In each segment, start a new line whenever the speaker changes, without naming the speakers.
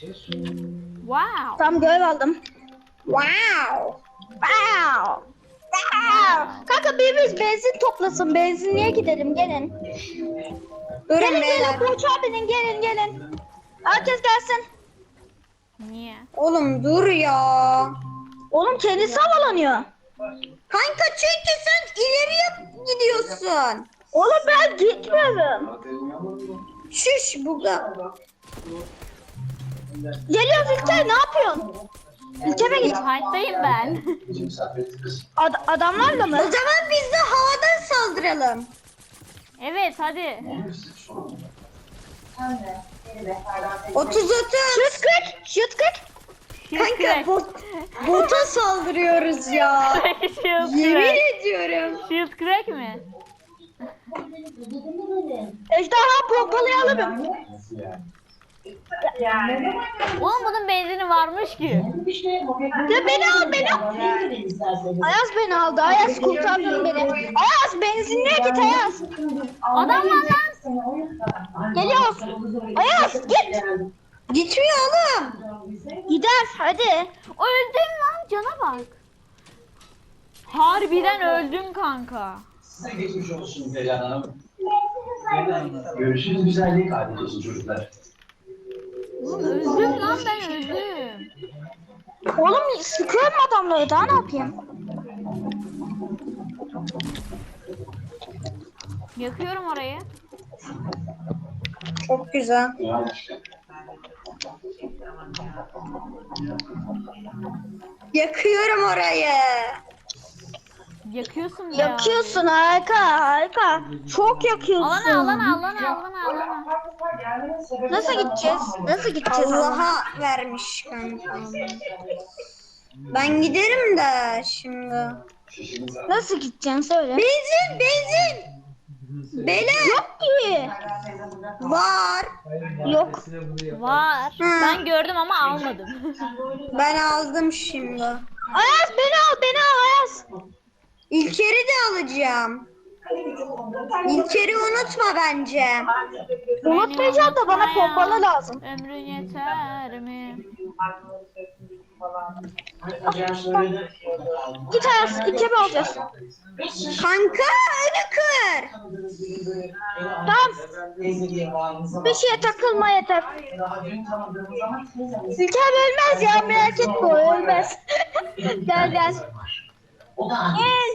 Wow.
Tam görev aldım. Wow. Wow. Wow. Kanka birimiz benzin toplasın. Benzinliğe gidelim gelin.
Durun
Gelin
beyler.
gelin uçağa binin gelin. Herkes gelsin.
Niye?
Oğlum dur ya.
Oğlum kendisi havalanıyor.
Kanka çünkü sen ileriye gidiyorsun.
Oğlum ben gitmiyorum.
Şuş buga.
Geliyoruz İlker ne yapıyorsun? İlker'e git.
Fight'tayım ben.
Adamlarla mı?
O zaman biz de havadan saldıralım.
Evet hadi.
30.
Şut kırk. Şut kırk.
Kanka bota saldırıyoruz ya.
Shield
Yemin
crack.
ediyorum.
Shield crack mi?
Ejderha pompalayalım.
Oğlum bunun benzini varmış ki.
Ya beni al beni. Ayaz beni aldı. Ayaz kurtardın beni. Ayaz benzinliğe git Ayaz.
Adam var lan.
Geliyoruz. Ayaz git.
Gitmiyor oğlum.
Gider hadi.
Öldüm lan cana bak. Harbiden öldüm kanka.
Size geçmiş olsun Perihan Hanım. Görüşürüz güzellik adetesi çocuklar.
Oğlum öldüm lan ben öldüm.
Oğlum sıkıyorum adamları daha ne yapayım?
Yakıyorum orayı.
Çok güzel. Yakıyorum orayı.
Yakıyorsun be ya.
Yakıyorsun harika. Çok yakıyorsun.
Alana.
Nasıl gideceğiz? Nasıl gideceğiz?
Allah'a vermiş kanka. Ben giderim de şimdi.
Nasıl gideceksin söyle.
Benzin. Beyler
Yok ki.
var.
Yok.
Var. Ben gördüm ama almadım.
Ben aldım şimdi.
Ayaz beni al Ayaz.
İlker'i de alacağım. İlker'i unutma bence.
Unutmayacağım da bana pompalı lazım.
Ömrün yeter mi?
Git Ayaz İlker'i alacağız.
Kanka önü kır.
Tamam. Bir şeye takılma yeter. İlker ölmez ya merak etme o ölmez. Gel. Gel.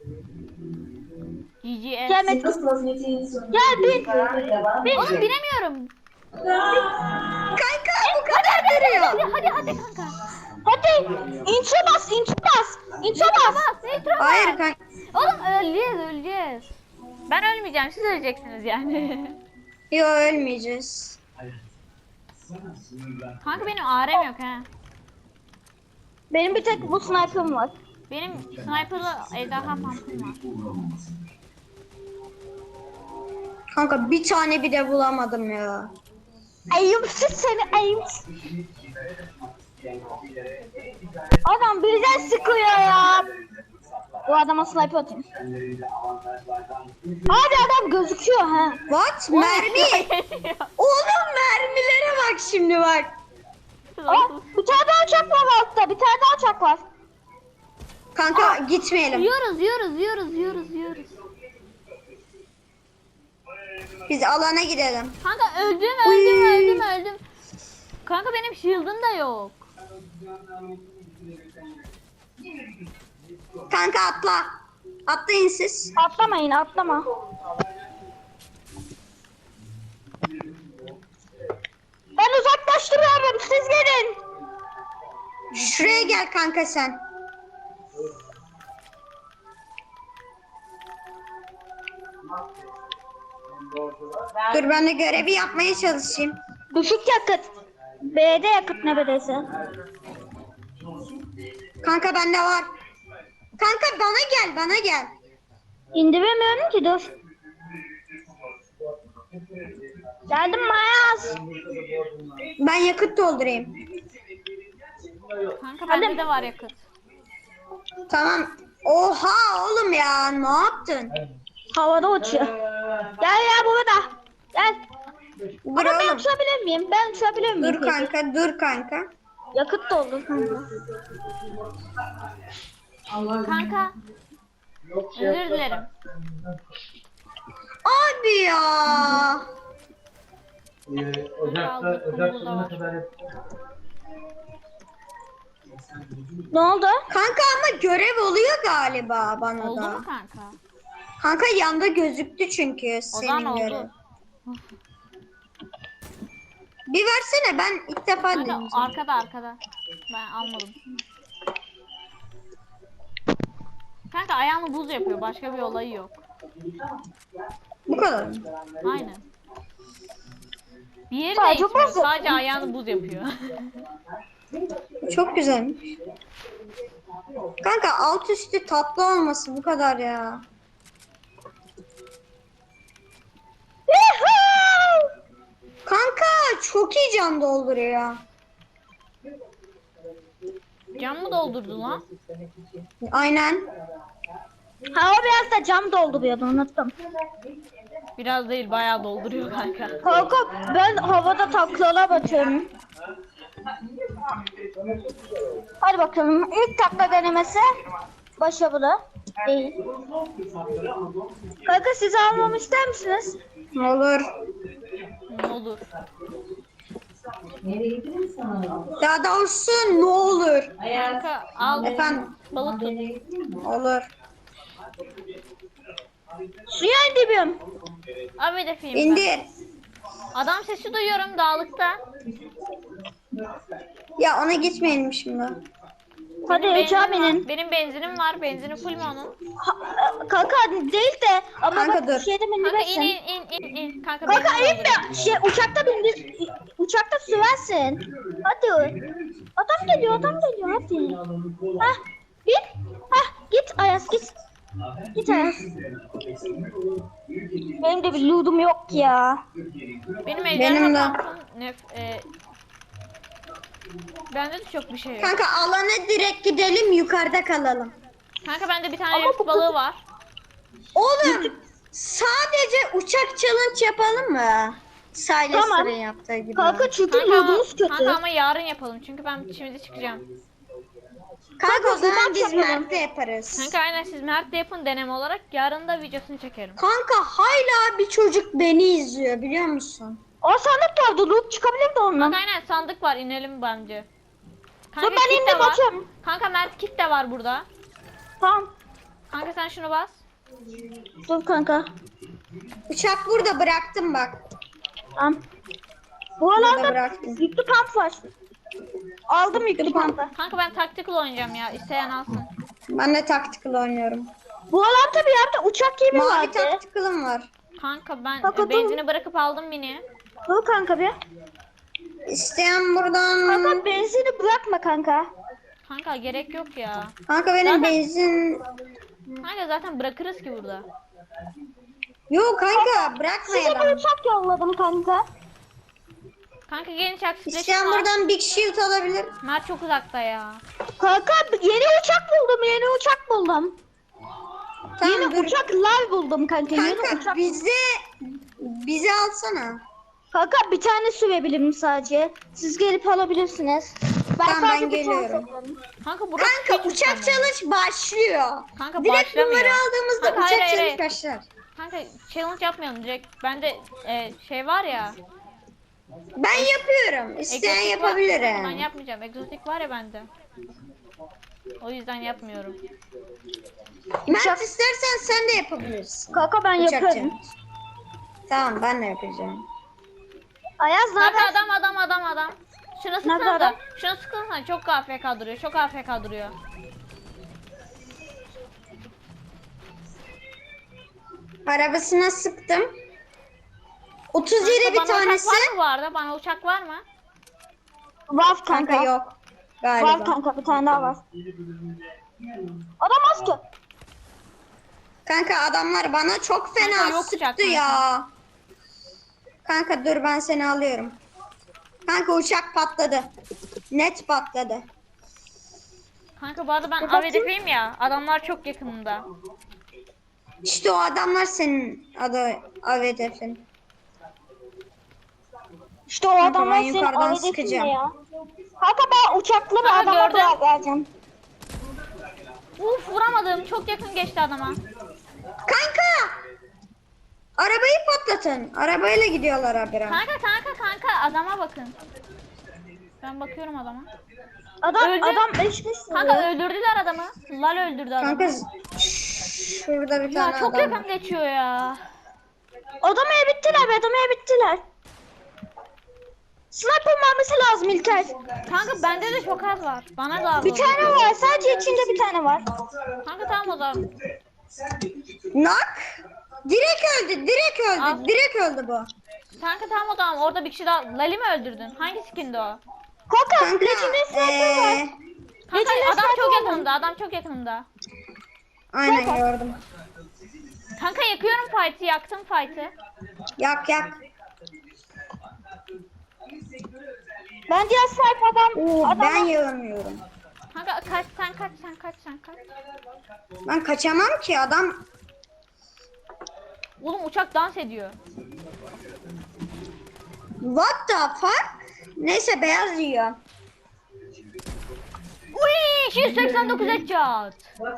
GGS.
Gel Metin. Gel bin.
Oğlum binemiyorum.
Kanka bu kadar duruyor.
Hadi kanka.
Hadi. İntro bas. İntro bas.
Nitro
Hayır
bas.
kanka.
Oğlum öleceğiz. Ben ölmeyeceğim siz öleceksiniz yani.
Yok ölmeyeceğiz.
Kanka benim AR'm yok ha.
Benim bir tek bu sniper'ım var.
Benim sniper'lı ejderha pump'ım var.
Kanka bir tane bile bulamadım ya.
Ayıpsız seni ayıpsız. Adam birden sıkıyor ya. Bu adama sniper atayım. Abi adam gözüküyor ha.
What? Mermi. Oğlum mermilere bak şimdi bak.
Aa, bir tane daha uçak var altta. Bir tane daha uçak var.
Kanka gitmeyelim.
Yiyoruz.
Biz alana gidelim.
Kanka öldüm. Kanka benim shield'ım da yok.
Kanka atla. Atlayın siz.
Atlamayın atlama. Ben uzaklaştırıyorum siz gelin.
Şuraya gel kanka sen. Dur ben de görevi yapmaya çalışayım.
Düşük yakıt. B'de yakıt neredeyse.
Kanka bende var. Kanka bana gel.
İndiremiyorum ki dur. Geldim Mayaz.
Ben yakıt doldurayım.
Kanka bende de var yakıt.
Tamam. Oha oğlum ya ne yaptın?
Havada uçuyor. Gel ya burada. Gel.
Dur
Ama ben
oğlum.
uçabilir miyim? Ben uçabilir miyim?
Dur
peki?
kanka, dur kanka.
Yakıt doldu kanka.
Kanka özür dilerim.
Abi ya.
Ocak sonuna kadar
Ne oldu?
Kanka ama görev oluyor galiba bana
Oldu
da.
mu kanka?
Kanka yanda gözüktü çünkü
O zaman
senin görev.
oldu.
Bir versene, ben ilk defa
Kanka
deneyeceğim.
arkada. Ben almadım. Kanka ayağını buz yapıyor. Başka bir olayı yok.
Bu kadar mı?
Aynen. Bir yeri
Sadece
değişmiyor.
buz yapıyor.
Sadece ayağını buz yapıyor.
Çok güzelmiş. Kanka alt üstü tatlı olması bu kadar ya. Kanka çok iyi can dolduruyor.
Cam mı doldurdu lan?
Aynen.
Ha o biraz da cam dolduruyordu unuttum.
Biraz değil bayağı dolduruyor kanka.
Kanka ben havada taklalar batıyorum. Hadi bakalım ilk takla denemesi başarılı değil. Kanka sizi almamı ister misiniz?
Olur.
Ne olur.
Daha doğrusu ne olur.
Kanka al
Efendim.
balık tut.
Olur.
Suya indirmiyorum.
Abi hedefiyim ben.
İndir.
Adam sesi duyuyorum dağlıkta.
Ya ona gitmeyelim şimdi.
Hadi
Benim
uçağa
benzinim var.
binin.
Benim benzinim var. Benzini full mü onun?
Kanka değil de ama
Kanka
bak
dur.
şeyde
Kanka in
bindirirsin.
in. Kanka
Kanka
benzin
in
dolduruyor.
de şey uçakta bindir. Uçakta sürersin. Hadi. Adam geliyor hadi. Hah bin. Hah git Ayaz git. Git Ayaz. Benim de bir loot'um yok ya.
Benim
Benim
ejderha
de.
pantolon bende de çok bir şey yok.
Kanka alana direkt gidelim, yukarıda kalalım.
Kanka bende bir tane
Ama
yunus
bu
balığı var.
Oğlum sadece uçak challenge yapalım mı? Silas'ın
Tamam.
yaptığı gibi.
Kanka çünkü
Kanka ama,
loot'umuz kötü.
kanka ama yarın yapalım çünkü ben şimdi çıkacağım.
Kanka o zaman
Kanka,
biz
yapalım.
Mert'te yaparız.
Kanka aynen siz Mert'le yapın deneme olarak yarın da videosunu çekerim.
Kanka hala bir çocuk beni izliyor biliyor musun?
O sandık vardı loot çıkabilirdi ondan.
Kanka aynen sandık var inelim bence.
Dur
Kanka
ben
kit de
indim
var.
açıyorum.
Kanka Mert kit de var burada.
Tamam.
Kanka sen şunu bas.
Dur kanka.
Uçak burada bıraktım bak.
Tamam. Bu
Burada
alanda
bıraktım.
yüklü pump var. Aldım yüklü pump'ı.
Kanka ben tactical oynayacağım ya. İsteyen alsın.
Ben de tactical oynuyorum.
Bu alanda bir yerde uçak gemi
Mavi
vardı.
tactical'ım var.
Kanka ben
Kanka, dur.
benzini bırakıp aldım mini.
Dur kanka bir.
İsteyen buradan...
Kanka benzini bırakma kanka.
Kanka gerek yok ya.
Kanka benim
Zaten-
benzin...
Kanka zaten bırakırız ki burada.
Yok kanka
Size bir
bırakmayalım.
uçak yolladım kanka.
Kanka genç aksipleşim
İsteyen
var.
buradan Big Shield alabilir.
Mert çok uzakta ya.
Kanka yeni uçak buldum
Tamam
yeni
dur.
uçaklar buldum kanka. Yeni
Kanka
uçak.
bize alsana.
Kanka bir tane sürebilirim sadece. Siz gelip alabilirsiniz.
Tamam, ben
sadece bir tane
geliyorum.
satarım.
Kanka burası
Kanka
küçük
uçak
ama.
challenge başlıyor.
Kanka
Direkt
başlamıyor.
bunları aldığımızda
Kanka,
uçak
hayır,
challenge
hayır.
başlar.
Kanka challenge yapmayalım direkt. Bende şey var ya.
Ben yapıyorum. İsteyen
egzotik var.
yapabilir
Ben
yani.
yapmayacağım. Egzotik var ya bende. O yüzden yapmıyorum.
Mert istersen sen de yapabilirsin.
Kanka ben
Uçak
yaparım.
challenge. Tamam ben de yapacağım.
Ayaz
Kanka
nereden?
adam. Şuna
Nerede
sıksana
adam?
da. Şuna sıksana. Çok AFK duruyor. Çok AFK duruyor.
Arabasına sıktım. 37
Kanka,
bir
bana
tanesi.
uçak var mı bu arada? Bana uçak var mı?
Var
Kanka
kanka.
yok.
Var
Galiba.
kanka bir tane daha var. Adam az ki.
Kanka adamlar bana çok fena
Kanka yok
sıktı
uçak
ya. Kanka dur ben seni alıyorum. Kanka uçak patladı. Net patladı.
Kanka bu arada ben
Bir bakayım.
AVD'yim ya. Adamlar çok yakınımda.
İşte o adamlar senin adı hedefin.
İşte o
Kanka,
adamlar
ben
senin
yukarıdan
ailesinde
sıkacağım.
ya. Kanka ben uçaklı bir
Kanka,
adama
gördüm.
kulak vereceğim.
Uf vuramadım. Çok yakın geçti adama.
Kanka! Arabayı patlatın. Arabayla gidiyorlar habire.
Kanka adama bakın. Ben bakıyorum adama.
Adam
Öldü.
adam eşkisi.
Kanka öldürdüler adamı. Lal öldürdü adamı.
Kanka şurada bir
Ya
tane
çok
adam.
yakın geçiyor ya.
Adamı bittiler, adamı bittiler. Sniper mermisi lazım İlker.
Kanka bende de çok az var. Bana da az
Bir
oldu.
tane var, sadece içinde bir tane var.
Kanka tamam o zaman.
Nak. Direkt öldü. Direkt öldü.
Al.
Direkt öldü bu.
Kanka tamam o zaman. Orada bir kişi daha. Lali mi öldürdün? Hangi skindi o?
Kanka,
Kanka
Legendary sniper var.
Kanka
Legendary
adam çok
sniper var.
yakınımda. Adam çok yakınımda.
aynen gördüm.
Kanka yakıyorum fight'ı. Yaktım fight'ı.
Yak yak.
Ben diğer sniper
Oo, ben
adamı
yağmıyorum.
Kanka kaç sen kaç.
Ben kaçamam ki adam.
Oğlum uçak dans ediyor.
What the fuck? Neyse beyaz yiyor.
Uy 289 headshot.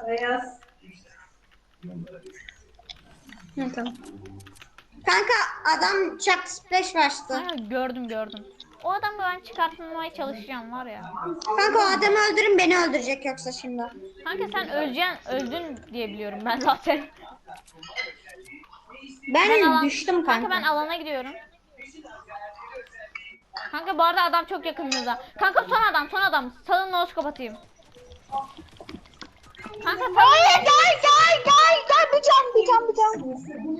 Hı, tamam. Kanka adam çak splash bastı.
Kanka gördüm. O adamı ben çıkartmamaya çalışacağım var ya.
Kanka o adamı öldürün, beni öldürecek yoksa şimdi.
Kanka sen öldün diye biliyorum ben zaten.
Ben düştüm
Kanka ben
kanka.
alana gidiyorum. Kanka bu arada adam çok yakınımızda. Kanka son adam. Salın noskop atayım. Kanka salın.
Hayır, gel, bir can.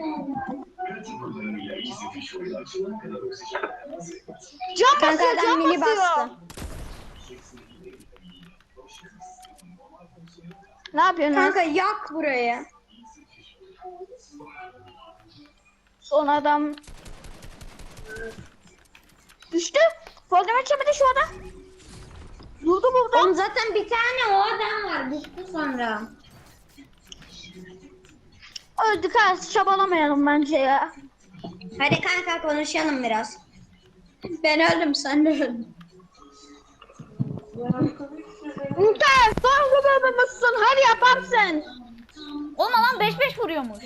Can
Kanka
basıyor,
adam
can
mini
basıyor.
bastı.
Ne yapıyorsun?
Kanka yak burayı.
Son adam düştü. Problem çemedi şu adam. Durdu burada.
Oğlum zaten bir tane o adam var. Düştü sonra.
Öldük ha, çabalamayalım bence ya.
Hadi kanka konuşalım biraz. Ben öldüm, sen de öldün.
İlker, son göbebemizsin, hadi yaparsın.
Oğlum adam 5-5 vuruyormuş.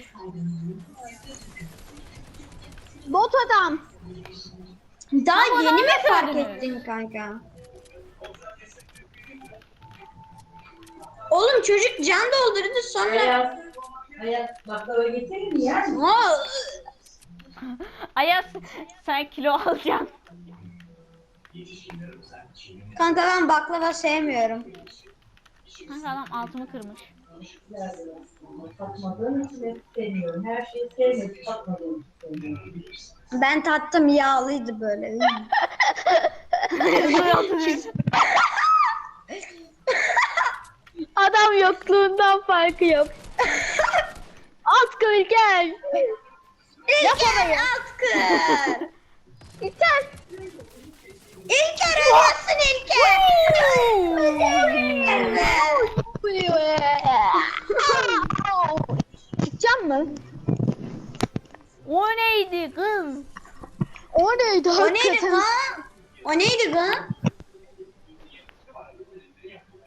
Bot adam.
Daha
Ama
yeni mi
nasıl
fark
öldünüz?
ettin kanka? Oğlum çocuk can doldurdu sonra.
Hayat baklava getirir mi ya?
Ayaz sen kilo alacaksın.
Kanka ben baklava sevmiyorum.
Kanka adam altımı kırmış.
Tatmadığım için sevmiyorum. Her şeyi sevmiyorum. Tatmadığım için sevmiyorum.
Ben tattım, yağlıydı böyle.
Adam yokluğundan farkı yok. Atkı İlker.
İlker atkı.
İlker.
İlker ölüyorsun İlker.
Çıkacağım mı?
O neydi kız?
O neydi
O neydi lan? O neydi lan?